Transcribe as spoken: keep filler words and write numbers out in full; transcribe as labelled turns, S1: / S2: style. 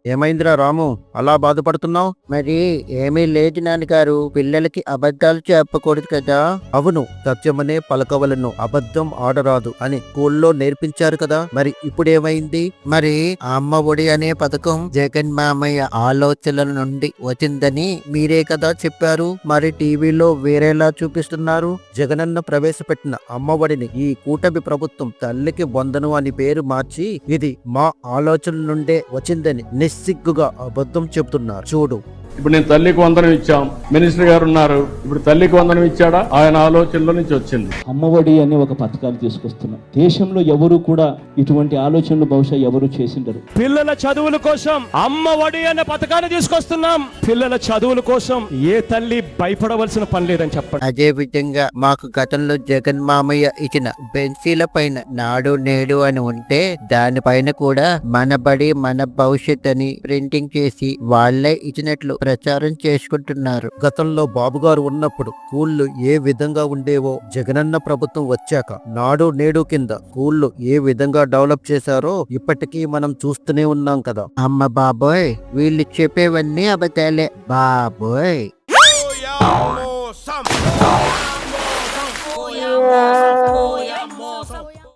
S1: ఏమైందిరా రాము, అలా బాధపడుతున్నావు?
S2: మరి ఏమీ లేదు నాన్నగారు, పిల్లలకి అబద్ధాలు చెప్పకూడదు కదా.
S1: అవును, సత్యమనే పలకవలను, అబద్ధం ఆడరాదు అని స్కూల్లో నేర్పించారు కదా. మరి ఇప్పుడేమైంది?
S2: మరి అమ్మ ఒడి అనే పథకం జగన్ మామయ్య ఆలోచనల నుండి వచ్చిందని మీరే కదా చెప్పారు. మరి టీవీలో వేరేలా చూపిస్తున్నారు.
S1: జగనన్న ప్రవేశపెట్టిన అమ్మఒడిని ఈ కూటమి ప్రభుత్వం తల్లికి వందను అని పేరు మార్చి ఇది మా ఆలోచనల నుండే వచ్చిందని నిస్సిగ్గుగా అబద్ధం చెబుతున్నారు. చూడు,
S3: ఇప్పుడు నేను తల్లికి వందనం ఇచ్చాం, మినిస్టర్ గారు ఉన్నారు, ఇప్పుడు తల్లికి వందనం ఇచ్చాడా? ఆయన ఆలోచనలో నుంచి వచ్చింది.
S4: అమ్మఒడి అనే ఒక పథకాలు తీసుకొస్తున్నాం. దేశంలో ఎవరు కూడా ఇటువంటి ఆలోచనలు బహుశా ఎవరు చేసిండరు.
S5: పిల్లల చదువుల కోసం అమ్మఒడి అనే పథకాన్ని తీసుకొస్తున్నాం. పిల్లల చదువుల కోసం ఏ తల్లి భయపడవలసిన పని లేదని చెప్పండి.
S2: అదే విధంగా మాకు గతంలో జగన్ మామయ్య ఇచ్చిన బెంచీల పైన నాడు నేడు అని ఉంటే దానిపైన కూడా మన బడి మన భవిష్యత్ అని ప్రింటింగ్ చేసి వాళ్లే ఇచ్చినట్లు ప్రచారం చేసుకుంటున్నారు.
S1: గతంలో బాబు గారు ఉన్నప్పుడు స్కూళ్ళు ఏ విధంగా ఉండేవో జగనన్న ప్రభుత్వం వచ్చాక నాడు నేడు కింద స్కూళ్ళు ఏ విధంగా డెవలప్ చేశారో ఇప్పటికీ మనం చూస్తూనే ఉన్నాం కదా.
S2: అమ్మ బాబోయ్, వీళ్ళు చెప్పేవన్నీ అబద్ధాలే బాబోయ్.
S6: Oh, yeah, oh, some. Oh, yeah, oh, some. Oh, yeah, oh, some.